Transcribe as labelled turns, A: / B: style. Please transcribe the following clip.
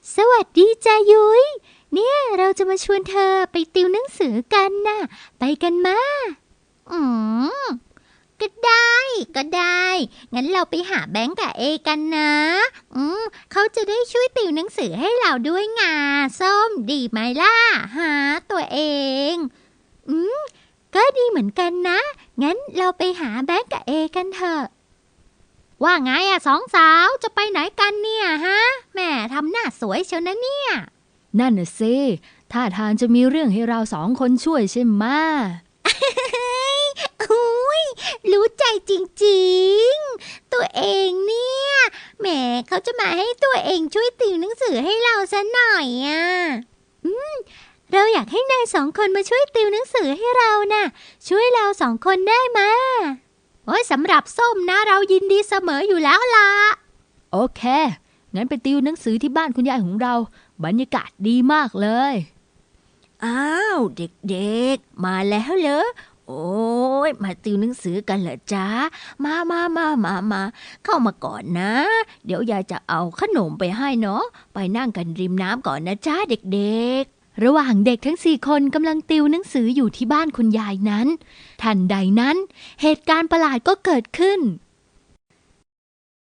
A: สวัสดีจ้ายุ้ยเนี่ยเราจะมาชวนเธอไปติวหนังสือกันน่ะไปกันมาอืมก็ได้ก็ได้งั้นเราไปหาแบงก์กับเอกันนะเขาจะได้ช่วยติวหนังสือให้เราด้วยไงส้มดีไหมล่ะหาตัวเองอืมก็ดีเหมือนกันนะงั้นเราไปหาแบงก์กับเอกันเถอะว่าไงอะสองสาวจะไปไหนกันเนี่ยฮะแม่ทำหน้าสวยเชียวนะเนี่ย
B: นั่นน่ะสิท่าทางจะมีเรื่องให้เราสองคนช่วยใช่ไหม
A: อุ้ยรู้ใจจริงๆตัวเองเนี่ยแหมเขาจะมาให้ตัวเองช่วยติวหนังสือให้เราซะหน่อยอ่ะอืมเราอยากให้นายสองคนมาช่วยติวหนังสือให้เราน่ะช่วยเราสองคนได้ไหมโอ้ยสำหรับส้มนะเรายินดีเสมออยู่แล้วล่ะ
B: โอเคงั้นไปติวหนังสือที่บ้านคุณยายของเราบรรยากาศดีมากเลย
C: อ้าวเด็กๆมาแล้วเหรอโอ้ยมาติวหนังสือกันเหรอจ๊ะมาเข้ามาก่อนนะเดี๋ยวยายจะเอาขนมไปให้เนาะไปนั่งกันริมน้ำก่อนนะจ๊ะเด็ก
B: ระหว่างเด็กทั้ง4 คนกำลังติวหนังสืออยู่ที่บ้านคุณยายนั้นทันใดนั้นเหตุการณ์ประหลาดก็เกิดขึ้น